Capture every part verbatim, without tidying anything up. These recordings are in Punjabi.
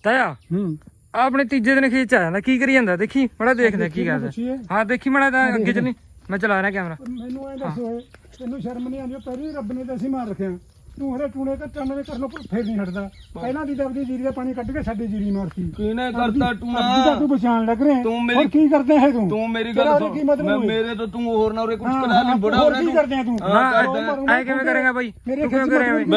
ਤਾਇਆ ਆਪਣੇ ਤੀਜੇ ਦਿਨ ਖੇਤ ਚ ਆ ਜਾਂਦਾ ਕੀ ਕਰੀ ਜਾਂਦਾ ਦੇਖੀ ਬੜਾ ਦੇਖਦਾ ਕੀ ਕਰਦਾ ਹਾਂ ਦੇਖੀ ਮੜਾ ਤਾਂ ਅੱਗੇ ਚੱਲੀ ਮੈਂ ਚਲਾ ਰਿਹਾ ਕੈਮਰਾ ਮੈਨੂੰ ਐ ਦੱਸੋ ਤੈਨੂੰ ਸ਼ਰਮ ਨਹੀਂ ਆਉਂਦੀ ਪਹਿਲੀ ਰੱਬ ਨੇ ਤਾਂ ਅਸੀਂ ਮਾਰ ਰੱਖਿਆ ਤੂੰ ਹਰੇ ਟੂਣੇ ਕੱਟਣ ਦੇ ਕਰ ਲੋ ਫੇਰ ਨਹੀਂ ਹਟਦਾ ਪਹਿਲਾਂ ਦੀ ਦਬਦੀ ਜੀਰੀ ਦਾ ਪਾਣੀ ਕੱਢ ਕੇ ਸਾਡੀ ਜੀਰੀ ਮਾਰਤੀ ਕਿਹਨੇ ਕਰਤਾ ਟੂਣਾ ਤੂੰ ਬਚਾਣ ਲੱਗ ਰਿਹਾ ਤੂੰ ਮੇਰੀ ਕੀ ਕਰਦੇ ਹੈ ਤੂੰ ਤੂੰ ਮੇਰੀ ਗੱਲ ਸੁਣ ਮੈਂ ਮੇਰੇ ਤੋਂ ਤੂੰ ਹੋਰ ਨਾ ਉਰੇ ਕੁਝ ਕਰਾ ਲਈ ਬੜਾ ਹੋਰ ਕੀ ਕਰਦੇ ਆ ਤੂੰ ਐ ਕਿਵੇਂ ਕਰੇਗਾ ਬਾਈ ਤੂੰ ਕਿਵੇਂ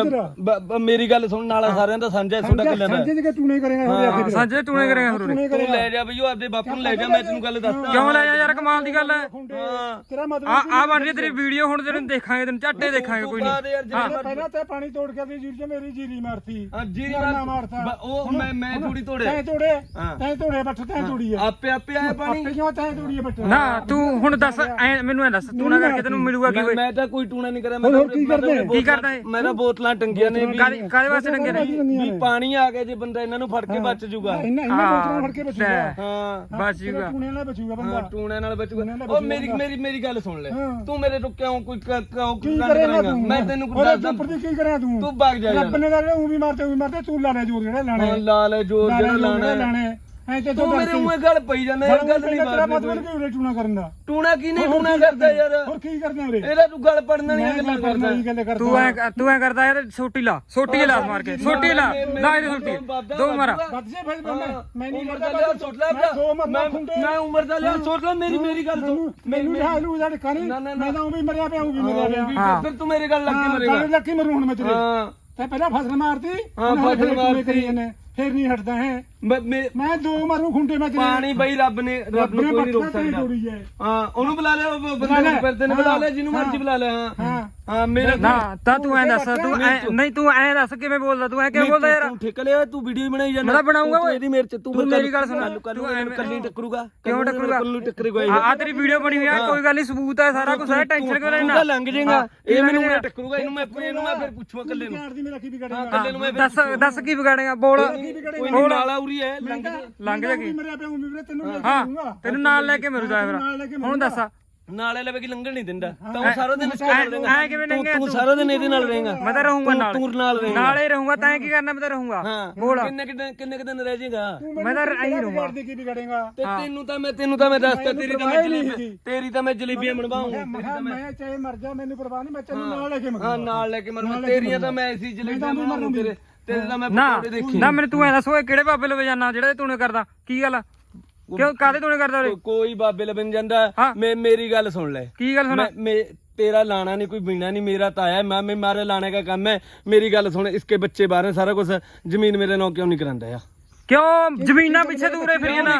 ਕਰੇਗਾ ਮੇਰੀ ਗੱਲ ਸੁਣ ਨਾਲਾ ਸਾਰਿਆਂ ਦਾ ਸਾਂਝਾ ਤੁਹਾਡਾ ਕਿੱਲਾ ਦਾ ਸਾਂਝੇ ਜੇ ਟੂਣੇ ਕਰੇਗਾ ਸਾਂਝੇ ਟੂਣੇ ਕਰੇਗਾ ਹੋਰ ਤੂੰ ਲੈ ਜਾ ਬਈ ਉਹ ਆਪਦੇ ਬਾਪੂ ਨੂੰ ਲੈ ਜਾ ਮੈਂ ਤੈਨੂੰ ਗੱਲ ਦੱਸਦਾ ਕਿਉਂ ਲੈ ਜਾ ਯਾਰ ਕਮਾਲ ਦੀ ਗੱਲ ਹੈ ਤੇਰਾ ਮਤਲਬ ਆ ਆ ਬਣ ਰਹੀ ਤੇਰੀ ਵੀਡੀਓ ਹੁਣ ਤੈਨੂੰ ਦੇਖਾਂਗੇ ਤੈਨੂੰ ਝੱਟੇ ਦੇਖਾਂਗੇ ਕੋਈ ਨਹੀਂ ਪਹਿਲਾਂ ਤੇ ਪਾਣੀ ਤੋੜ ਕੇ ਜੀਰੀ ਚ ਮੇਰੀ ਜੀਰੀ ਮਾਰਤੀ ਹਾਂ ਜੀਰੀ ਮਾਰਤਾ ਉਹ ਮੈਂ ਮੈਂ ਥੋੜੀ ਤੋੜੇ ਤੈਂ ਤੋੜੇ ਤੈਂ ਤੋੜੇ ਬੱਠ ਤੈਂ ਤੋੜੀ ਹੈ ਆਪੇ ਆਪੇ ਆਇਆ ਪਾਣੀ ਆਪੇ ਕਿਉਂ ਤੈਂ ਤੋੜੀ ਹੈ ਬੱਠ ਨਾ ਤੂੰ ਹੁਣ ਦੱਸ ਐ ਮੈਨੂੰ ਐ ਦੱਸ ਤੂੰ ਨਾ ਕਰਕੇ ਤੈਨੂੰ ਮਿਲੂਗਾ ਕੀ ਮੈਂ ਤਾਂ ਕੋਈ ਟੂਣਾ ਨਹੀਂ ਕਰਿਆ ਮੈਂ ਕੀ ਕਰਦੇ ਕੀ ਕਰਦਾ ਇਹ ਮੈਂ ਤਾਂ ਬੋਤਲਾਂ ਟੰਗੀਆਂ ਨੇ ਵੀ ਕਾਦੇ ਵਾਸਤੇ ਟੰਗੇ ਨੇ ਵੀ ਪਾਣੀ ਆ ਗਿਆ ਜੇ ਬੰਦਾ ਇਹਨਾਂ ਨੂੰ ਫੜ ਕੇ ਬਚ ਜੂਗਾ ਇਹਨਾਂ ਇਹਨਾਂ ਬੋਤਲਾਂ ਫੜ ਕੇ ਬਚੂਗਾ ਹਾਂ ਬਚ ਜੂਗਾ ਟੂਣੇ ਨਾਲ ਬਚੂਗਾ ਬੰਦਾ ਟੂਣੇ ਨਾਲ ਬਚੂਗਾ ਉਹ ਮੇਰੀ ਮੇਰੀ ਮੇਰੀ ਗੱਲ ਸੁਣ ਲੈ ਤੂੰ ਮੇਰੇ ਤੋਂ ਕਿਉਂ ਕੋਈ ਕਿਉਂ ਕੀ ਕਰੇਗਾ ਮੈਂ ਤੈਨੂੰ ਕੁਝ ਦੱਸਦਾ ਕੀ ਕਰਿਆ ਤੂੰ ਤੂੰ ਭੱਗ ਜਾ ਰੱਬ ਨੇ ਤਾਂ ਉਹ ਵੀ ਮਾਰਤੇ ਉਹ ਵੀ ਮਾਰਤੇ ਤੂੰ ਲਾਣੇ ਜੋਰ ਜਿਹੜੇ ਲਾਣੇ ਲਾ ਲੈ ਜੋਰ ਜਿਹੜਾ ਲਾਣਾ ਲਾਣੇ ਐ ਤੇ ਤੂੰ ਮੇਰੇ ਮੂੰਹੇ ਗੱਲ ਪਈ ਜਾਂਦਾ ਇਹ ਗੱਲ ਨਹੀਂ ਤੇਰਾ ਮਤਲਬ ਕੀ ਉਰੇ ਟੂਣਾ ਕਰਨ ਦਾ ਟੂਣਾ ਕੀ ਨਹੀਂ ਟੂਣਾ ਕਰਦਾ ਯਾਰ ਹੋਰ ਕੀ ਕਰਦੇ ਉਰੇ ਇਹਦਾ ਤੂੰ ਗੱਲ ਪੜਨ ਵਾਲੀਆਂ ਗੱਲਾਂ ਕਰਦਾ ਗੱਲ ਕਰਦਾ ਤੂੰ ਐ ਤੂੰ ਐ ਕਰਦਾ ਯਾਰ ਸੋਟੀ ਲਾ ਸੋਟੀ ਲਾ ਮਾਰ ਕੇ ਸੋਟੀ ਲਾ ਲਾ ਇਹਦੀ ਸੋਟੀ ਦੋ ਮਾਰਾ ਵੱਧ ਜੇ ਭਾਈ ਮੈਂ ਨਹੀਂ ਉਮਰ ਦਾ ਲਿਆ ਸੁੱਟ ਲੈ ਮੈਂ ਮੈਂ ਉਮਰ ਦਾ ਲਿਆ ਸੁੱਟ ਲੈ ਮੇਰੀ ਮੇਰੀ ਗੱਲ ਸੁਣ ਮੈਨੂੰ ਲਿਆ ਲੂ ਜੜ ਕਰੀ ਮੈਂ ਤਾਂ ਉਹ ਵੀ ਮਰਿਆ ਪਿਆ ਉਹ ਵੀ ਮਰਿਆ ਪਿਆ ਫਿਰ ਤੂੰ ਮੇਰੇ ਗੱਲ ਲੱਗ ਕੇ ਮਰੇਗਾ ਲੱਗੀ ਮਰੂ ਹੁਣ ਮੈਂ ਤੇਰੇ ਹਾਂ ਤੇ ਪਹਿਲਾਂ ਫਸਲ ਮਾਰਤੀ ਹਾਂ ਫਸਲ ਮਾਰਤੀ ਫੇਰ ਨਹੀਂ ਹਟਦਾ ਹੈ ਮੈਂ ਮੈਂ ਦੋ ਮਾਰੂ ਖੁੰਡੇ ਮੈਂ ਪਾਣੀ ਬਈ ਰੱਬ ਨੇ ਰੱਬ ਨੂੰ ਕੋਈ ਨਹੀਂ ਰੋਕ ਸਕਦਾ ਹਾਂ ਉਹਨੂੰ ਬੁਲਾ ਲੈ ਬੰਦੇ ਨੂੰ ਫਿਰਦੇ ਨੇ ਬੁਲਾ ਲੈ ਜਿਹਨੂੰ ਮਰਜ਼ੀ ਬੁਲਾ ਲੈ ਹਾਂ ਹਾਂ ਮੇਰੇ ਨਾ ਤਾਂ ਤੂੰ ਐ ਦੱਸ ਤੂੰ ਨਹੀਂ ਤੂੰ ਐ ਦੱਸ ਕਿਵੇਂ ਬੋਲਦਾ ਤੂੰ ਐ ਕਿਵੇਂ ਬੋਲਦਾ ਯਾਰ ਤੂੰ ਠੇਕ ਲਿਆ ਤੂੰ ਵੀਡੀਓ ਬਣਾਈ ਜਾਂਦਾ ਮੈਂ ਬਣਾਉਂਗਾ ਓਏ ਇਹਦੀ ਮੇਰੇ ਚ ਤੂੰ ਮੇਰੀ ਗੱਲ ਸੁਣ ਤੂੰ ਕੱਲੀ ਟੱਕਰੂਗਾ ਕਿਉਂ ਟੱਕਰੂਗਾ ਕੱਲੀ ਟੱਕਰੇਗਾ ਆ ਤੇਰੀ ਵੀਡੀਓ ਬਣੀ ਹੋਈ ਆ ਕੋਈ ਗੱਲ ਨਹੀਂ ਸਬੂਤ ਹੈ ਸਾਰਾ ਕੁਝ ਹੈ ਟੈਨਸ਼ਨ ਕਿਉਂ ਲੈਣਾ ਤੂੰ ਲੰਘ ਜਾਏਗਾ ਇਹ ਮੈਨੂੰ ਮੇਰੇ ਟੱਕਰੂਗਾ ਇਹਨੂੰ ਮੈਂ ਇਹਨੂੰ ਮੈਂ ਫਿਰ ਪੁੱਛੂਗਾ ਕੱਲੇ ਨੂੰ ਮੇਰਾ ਕੀ ਵਿਗੜੇਗਾ ਕੱਲੇ ਨੂੰ ਮੈਂ ਦੱਸ ਦੱਸ ਕੀ ਵਿਗਾੜੇਗਾ ਬੋਲ ਕੋਈ ਨਾਲਾ ਉਰੀ ਹੈ ਲੰਘ ਲੰਘ ਜਾ ਕੀ ਮਰਿਆ ਪਿਆ ਉਹ ਵੀ ਤੈਨੂੰ ਹਾਂ ਤੈਨੂੰ ਨਾਲ ਲੈ ਕੇ ਮਰੂਦਾ ਫਿਰ ਹੁਣ ਦੱਸ ਨਾਲੇ ਲਵੇ ਕਿ ਲੰਘਣ ਨਹੀਂ ਦਿੰਦਾ ਤਾਂ ਉਹ ਸਾਰਾ ਦਿਨ ਇਸ ਨਾਲ ਰਹੇਗਾ ਐ ਕਿਵੇਂ ਲੰਘੇ ਤੂੰ ਸਾਰਾ ਦਿਨ ਇਹਦੇ ਨਾਲ ਰਹੇਗਾ ਮੈਂ ਤਾਂ ਰਹੂੰਗਾ ਨਾਲ ਤੂੰ ਨਾਲ ਰਹੇਗਾ ਨਾਲੇ ਰਹੂੰਗਾ ਤੈਂ ਕੀ ਕਰਨਾ ਮੈਂ ਤਾਂ ਰਹੂੰਗਾ ਬੋਲ ਕਿੰਨੇ ਕਿੰਨੇ ਕਿੰਨੇ ਦਿਨ ਰਹਿ ਜਾਏਗਾ ਮੈਂ ਤਾਂ ਐਂ ਰਹੂੰਗਾ ਕੀ ਵਿਗੜੇਗਾ ਤੇ ਤੈਨੂੰ ਤਾਂ ਮੈਂ ਤੈਨੂੰ ਤਾਂ ਮੈਂ ਦੱਸਤਾ ਤੇਰੀ ਤਾਂ ਮੈਂ ਜਲੇਬੀ ਤੇਰੀ ਤਾਂ ਮੈਂ ਜਲੇਬੀਆਂ ਬਣਵਾਉਂਗਾ ਮੈਂ ਚਾਹੇ ਮਰ ਜਾ ਮੈਨੂੰ ਪਰਵਾਹ ਨਹੀਂ ਮੈਂ ਤੈਨੂੰ ਨਾਲ ਲੈ ਕੇ ਮਰ ਹਾਂ ਨਾਲ ਲੈ ਕੇ ਮਰ ਤੇਰੀਆਂ ਤਾਂ ਮੈਂ ਐਸੀ ਜਲੇਬੀਆਂ ਬਣਵਾਉਂ ਤੇਰੇ ਤੇਰੇ ਤਾਂ ਮੈਂ ਨਾ ਪਕੌੜੇ ਦੇਖੇ ਨਾ ਮੈਨੂੰ ਤੂੰ ਐ ਦੱਸ ਓਏ ਕਿਹੜੇ ਬਾਬੇ ਲਵੇ ਜਾਣਾ ਜਿਹੜਾ ਤੂੰ ਨੇ ਕਰਦਾ ਕੀ ਗੱਲ ਕਿਉਂ ਕਾਹਦੇ ਤੂੰ ਨੇ ਕਰਦਾ ਉਰੇ ਕੋਈ ਬਾਬੇ ਲਬਨ ਜਾਂਦਾ ਮੈਂ ਮੇਰੀ ਗੱਲ ਸੁਣ ਲੈ ਕੀ ਗੱਲ ਸੁਣਾ ਮੈਂ तेरा लाना नहीं कोई बीना नहीं मेरा ताया है मैं मैं मारे लाने का काम है मेरी गल सुन इसके बच्चे बाहर हैं सारा कुछ जमीन मेरे नाम क्यों नहीं करांदा यार क्यों जमीना पीछे दूर है फिर ये ना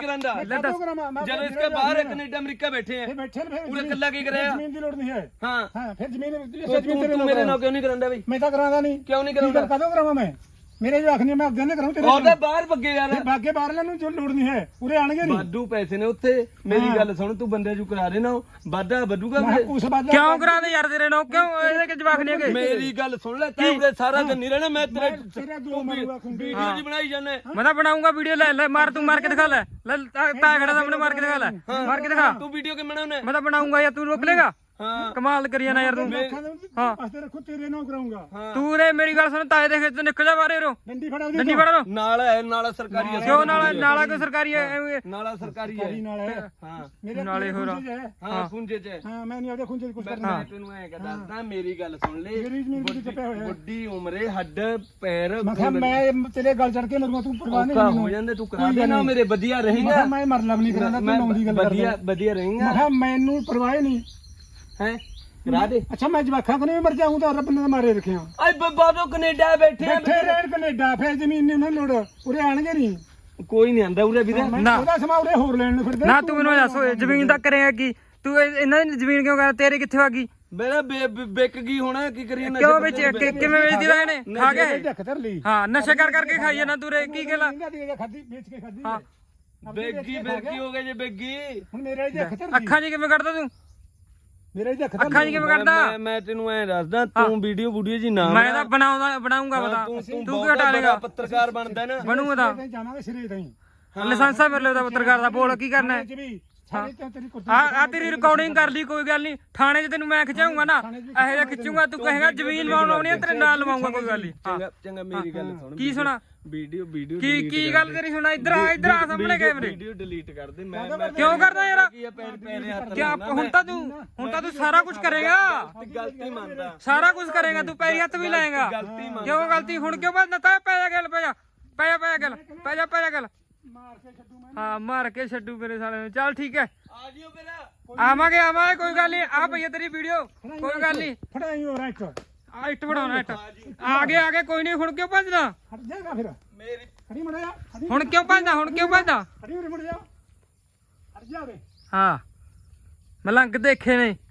जब इसके बाहर कनाडा अमेरिका बैठे हैं पूरे कल्ला की कराया जमीन की लोड़ नहीं है हां हां फिर जमीन तू मेरे नाम क्यों नहीं करांदा भाई मैं तो करांदा नहीं क्यों नहीं करांदा कदों करावां मैं मेरे जो आखनी मैं अगले कराऊं तेरे और बाहर भगे यार भागे बाहर लेनु जो लोड़ नहीं है पूरे आਣਗੇ नहीं बादू पैसे ने ਉੱਥੇ ਮੇਰੀ ਗੱਲ ਸੁਣ ਤੂੰ ਬੰਦੇ ਜੂ ਕਰਾ ਦੇਣਾ ਵਾਦਾ ਵਧੂਗਾ ਉਸ ਬਾਅਦ ਕਿਉਂ ਕਰਾ ਦੇ ਯਾਰ ਤੇਰੇ ਨਾਲ ਕਿਉਂ ਇਹਦੇ ਕਿ ਜਵਾਕ ਨਹੀਂ ਹੈਗੇ ਮੇਰੀ ਗੱਲ ਸੁਣ ਲੈ ਤੂੰ ਉਰੇ ਸਾਰਾ ਦਿਨ ਨਹੀਂ ਰਹਿਣਾ ਮੈਂ ਤੇਰੇ ਤੇਰਾ ਦੋ ਮਾਰੂਗਾ ਵੀਡੀਓ ਜੀ ਬਣਾਈ ਜਾਂਦਾ ਮੈਂ ਤਾਂ ਬਣਾਉਂਗਾ ਵੀਡੀਓ ਲੈ ਲੈ ਮਾਰ ਤੂੰ ਮਾਰ ਕੇ ਦਿਖਾ ਲੈ ਲੈ ਤਾਂ ਖੜਾ ਸਾਹਮਣੇ ਮਾਰ ਕੇ ਦਿਖਾ ਲੈ ਮਾਰ ਕੇ ਦਿਖਾ ਤੂੰ ਵੀਡੀਓ ਕਿਵੇਂ ਬਣਾਉਣਾ ਮੈਂ ਤਾਂ ਬਣਾਉਂਗਾ ਯਾਰ ਤੂੰ ਰੋਕ ਲੇਗਾ ਹਾਂ ਕਮਾਲ ਕਰੀ ਜਾਣਾ ਯਾਰ ਤੂੰ ਹਾਂ ਅਸਤੇ ਰੱਖੋ ਤੇਰੇ ਨਾਲ ਕਰਾਉਂਗਾ ਤੂੰ ਰੇ ਮੇਰੀ ਗੱਲ ਸੁਣ ਤਾਏ ਦੇ ਖੇਤ ਤੋਂ ਨਿਕਲ ਜਾ ਬਾਹਰ ਰੋ ਡੰਡੀ ਫੜਾ ਡੰਡੀ ਫੜਾ ਲੋ ਨਾਲ ਹੈ ਨਾਲਾ ਸਰਕਾਰੀ ਹੈ ਕਿਉਂ ਨਾਲਾ ਨਾਲਾ ਕੋਈ ਸਰਕਾਰੀ ਹੈ ਨਾਲਾ ਸਰਕਾਰੀ ਹੈ ਨਾਲ ਹੈ ਹਾਂ ਮੇਰੇ ਨਾਲੇ ਹੋਰ ਹਾਂ ਖੁੰਝੇ ਚ ਹਾਂ ਮੈਂ ਨਹੀਂ ਉਹਦੇ ਖੁੰਝੇ ਕੁਝ ਕਰਨਾ ਮੈਂ ਤੈਨੂੰ ਐ ਦੱਸਦਾ ਮੇਰੀ ਗੱਲ ਸੁਣ ਲੈ ਮੇਰੀ ਜ਼ਮੀਨ ਤੇ ਚੱਪਿਆ ਹੋਇਆ ਵੱਡੀ ਉਮਰੇ ਹੱਡ ਪੈਰ ਮੈਂ ਕਿਹਾ ਮੈਂ ਤੇਰੇ ਗੱਲ ਚੜ ਕੇ ਮਰੂੰਗਾ ਤੂੰ ਪਰਵਾਹ ਨਹੀਂ ਹੋ ਜਾਂਦੇ ਤੂੰ ਕਰਾ ਦੇ ਨਾ ਮੇਰੇ ਵਧੀਆ ਰਹੇਗਾ ਮੈਂ ਮਰ ਲਵ ਨਹੀਂ ਕਰਾਂਦਾ ਤੂੰ ਨੌਂ ਦੀ ਗੱਲ ਵਧੀਆ ਵਧੀਆ ਰਹੇਗਾ ਮੈਂ ਕਿਹਾ ਮੈਨੂੰ ਪਰਵਾਹ ਨਹੀਂ ਹੈ ਕਰਾ ਦੇ ਅੱਛਾ ਮੈਂ ਜਵਾਖਾਂ ਕੋਲ ਵੀ ਮਰ ਜਾਊਂ ਤਾਂ ਰੱਬ ਨੇ ਮਾਰੇ ਰੱਖਿਆ ਆਏ ਬਾਬਾ ਕੈਨੇਡਾ ਬੈਠੇ ਬੈਠੇ ਰਹਿਣ ਕੈਨੇਡਾ ਫੇਰ ਜ਼ਮੀਨ ਨਹੀਂ ਉਹਨਾਂ ਲੋੜ ਉਰੇ ਆਣਗੇ ਨਹੀਂ ਕੋਈ ਨਹੀਂ ਆਂਦਾ ਉਰੇ ਵੀਰੇ ਨਾ ਉਹਦਾ ਸਮਾਂ ਉਰੇ ਹੋਰ ਲੈਣ ਨੂੰ ਫਿਰਦੇ ਨਾ ਤੂੰ ਮੈਨੂੰ ਦੱਸ ਓਏ ਜ਼ਮੀਨ ਤਾਂ ਕਰੇਗਾ ਕੀ ਤੂੰ ਇਹਨਾਂ ਦੀ ਜ਼ਮੀਨ ਕਿਉਂ ਕਰ ਤੇਰੇ ਕਿੱਥੇ ਆ ਗਈ ਮੇਰਾ ਵਿਕ ਗਈ ਹੁਣ ਕੀ ਕਰੀਏ ਨਸ਼ੇ ਕਿਉਂ ਵੇਚ ਕਿਵੇਂ ਵੇਚਦੀ ਵਾ ਇਹਨੇ ਖਾ ਕੇ ਹਾਂ ਨਸ਼ੇ ਕਰ ਕਰਕੇ ਖਾਈ ਜਾਂਦਾ ਤੂੰ ਰੇ ਕੀ ਗੱਲ ਖਾਦੀ ਵੇਚ ਕੇ ਖਾਦੀ ਹਾਂ ਬੇਗੀ ਫਿਰ ਕੀ ਹੋ ਗਿਆ ਜੇ ਬੇਗੀ ਹੁਣ ਮੇਰੇ ਇਹਦੇ ਅੱਖ ਧਰ ਅੱਖਾਂ 'ਚ ਕਿਵੇਂ ਕੱਢਦਾ ਤੂੰ ਮੇਰੇ ਇਹਦੇ ਅੱਖ ਅੱਖਾਂ 'ਚ ਕਿਵੇਂ ਕੱਢਦਾ ਮੈਂ ਤੈਨੂੰ ਐ ਦੱਸਦਾ ਤੂੰ ਵੀਡੀਓ ਵੀਡੀਓ ਜੀ ਨਾ ਮੈਂ ਤਾਂ ਬਣਾਉਂਦਾ ਬਣਾਉਂਗਾ ਪਤਾ ਤੂੰ ਕੀ ਹਟਾ ਲੇਗਾ ਪੱਤਰਕਾਰ ਬਣਦਾ ਨਾ ਬਣੂਗਾ ਤਾਂ ਜਾਵਾਂਗੇ ਸਿਰੇ ਤਾਈਂ ਲਾਇਸੈਂਸ ਆ ਮੇਰੇ ਲਈ ਪੱਤਰਕਾਰ ਦਾ ਬੋਲ ਕੀ ਕਰਨਾ ਹੈ ਆ ਆ ਤੇਰੀ ਰਿਕਾਰਡਿੰਗ ਕਰ ਲਈ ਕੋਈ ਗੱਲ ਨਹੀਂ ਥਾਣੇ 'ਚ ਤੈਨੂੰ ਮੈਂ ਖਿਚਾਉਂਗਾ ਨਾ ਇਹੋ ਜਿਹਾ ਖਿੱਚੂਗਾ ਤੂੰ ਕਹੇਗਾ ਜ਼ਮੀਨ ਲਵਾਉਣੀ ਤੇਰੇ ਨਾਲ ਲਵਾਉਂਗਾ ਕੋਈ ਗੱਲ ਨਹੀਂ ਚੰਗਾ ਚੰਗਾ ਮੇਰੀ ਗੱਲ ਸੁਣ ਕੀ ਸੁਣਾ ਵੀਡੀਓ ਵੀਡੀਓ ਕੀ ਕੀ ਗੱਲ ਤੇਰੀ ਸੁਣਾ ਇੱਧਰ ਆ ਇੱਧਰ ਆ ਸਾਹਮਣੇ ਕੈਮਰੇ ਵੀਡੀਓ ਡਿਲੀਟ ਕਰ ਦੇ ਮੈਂ ਮੈਂ ਕਿਉਂ ਕਰਦਾ ਯਾਰ ਕੀ ਆ ਪੈਰ ਪੈਰੇ ਹੱਥ ਕਿਆ ਹੁਣ ਤਾਂ ਤੂੰ ਹੁਣ ਤਾਂ ਤੂੰ ਸਾਰਾ ਕੁਝ ਕਰੇਗਾ ਗਲਤੀ ਮੰਨਦਾ ਸਾਰਾ ਕੁਝ ਕਰੇਗਾ ਤੂੰ ਪੈਰੀ ਹੱਥ ਵੀ ਲਾਏਗਾ ਗਲਤੀ ਮੰਨ ਕਿਉਂ ਗਲਤੀ ਹੁਣ ਕਿਉਂ ਭੱਜਦਾ ਤਾ ਪੈ ਜਾ ਗੱਲ ਪੈ ਜਾ ਪੈ ਜਾ ਪੈ ਜਾ ਗੱਲ ਪੈ ਜਾ ਪੈ ਜਾ ਗੱਲ ਮਾਰ ਕੇ ਛੱਡੂ ਮੈਂ ਹਾਂ ਮਾਰ ਕੇ ਛੱਡੂ ਮੇਰੇ ਸਾਲੇ ਨੂੰ ਚੱਲ ਠੀਕ ਹੈ ਆ ਜਿਓ ਫਿਰ ਆਵਾਂਗੇ ਆਵਾਂਗੇ ਕੋਈ ਗੱਲ ਨਹੀਂ ਆ ਭਈਆ ਤੇਰੀ ਵੀਡੀਓ ਕੋਈ ਗੱਲ ਨਹੀਂ ਫੜਾਈ ਹੋ ਰਾਈਟ ਆ ਇੱਟ ਬਣਾਉਣਾ ਇੱਟ ਆ ਗਏ ਆ ਗਏ ਕੋਈ ਨਹੀਂ ਹੁਣ ਕਿਉਂ ਭੱਜਦਾ ਹਟ ਜਾਏਗਾ ਫਿਰ ਮੇਰੀ ਖੜੀ ਮੜਿਆ ਖੜੀ ਹੁਣ ਕਿਉਂ ਭੱਜਦਾ ਹੁਣ ਕਿਉਂ ਭੱਜਦਾ ਖੜੀ ਉਰੇ ਮੁੜ ਜਾ ਹਟ ਜਾ ਵੇ ਹਾਂ ਮਲੰਗ ਦੇਖੇ ਨੇ